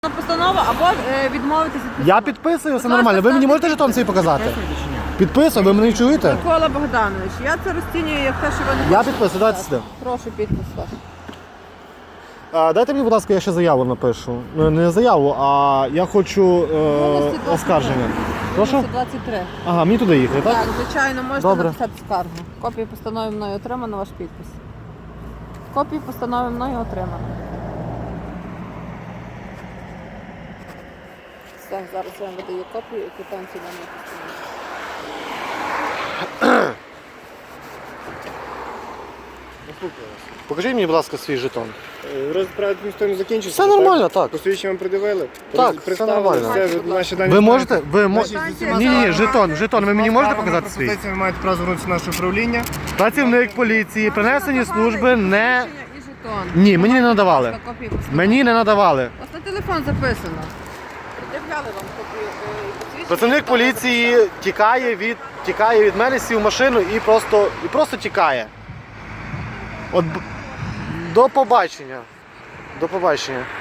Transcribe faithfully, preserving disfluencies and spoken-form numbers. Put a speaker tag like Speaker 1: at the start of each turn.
Speaker 1: Постанова або е, відмовитися від
Speaker 2: Я підписую, все нормально. Ви мені можете жетон свій показати? Підписую, ви мене чуєте?
Speaker 1: Микола Богданович, я це розцінюю як те, що ви не
Speaker 2: Я
Speaker 1: хочете
Speaker 2: підписую, дайте
Speaker 1: підписати.
Speaker 2: сюди.
Speaker 1: Прошу підпис ваш.
Speaker 2: А, дайте мені, будь ласка, я ще заяву напишу. Ну, не заяву, а я хочу
Speaker 1: Голосі
Speaker 2: е,
Speaker 1: двадцять три.
Speaker 2: оскарження. Прошу?
Speaker 1: Голосі двадцять три.
Speaker 2: Ага, мені туди їхати, так?
Speaker 1: Так, звичайно, можете
Speaker 2: Добре.
Speaker 1: написати скаргу. Копію постанови мною отримано, ваш підпис. Копію постанови мною отримано. Все, зараз я вам видаю копію і квитанцію на мою постанову.
Speaker 2: Покажіть мені, будь ласка, свій жетон.
Speaker 3: Розправді ніхто не закінчився.
Speaker 2: Все нормально, так.
Speaker 3: Посвідчення вам придивили?
Speaker 2: Так,
Speaker 3: Представили,
Speaker 2: все нормально.
Speaker 3: Все, ви наші дані
Speaker 2: Ви
Speaker 3: знаєте.
Speaker 2: можете? Ви мо...
Speaker 3: Наші з усіма
Speaker 2: Ні, ні, ні,
Speaker 3: справами-
Speaker 2: жетон, жетон. Ви мені можете показати свій?
Speaker 3: Пропозиція, ви маєте право звернутися в наше управління.
Speaker 2: Працівник поліції, принесені служби не...
Speaker 1: Посвідчення і жетон.
Speaker 2: Ні, мені не надавали.
Speaker 1: Копію постанови.
Speaker 2: Мені не надавали.
Speaker 1: У вас на телефон записано. Пред'являли вам копію е, і посвідчення.
Speaker 2: Працівник поліції тікає від, тікає від мене, сів в машину і просто, і просто тікає. От, б- до побачення. До побачення.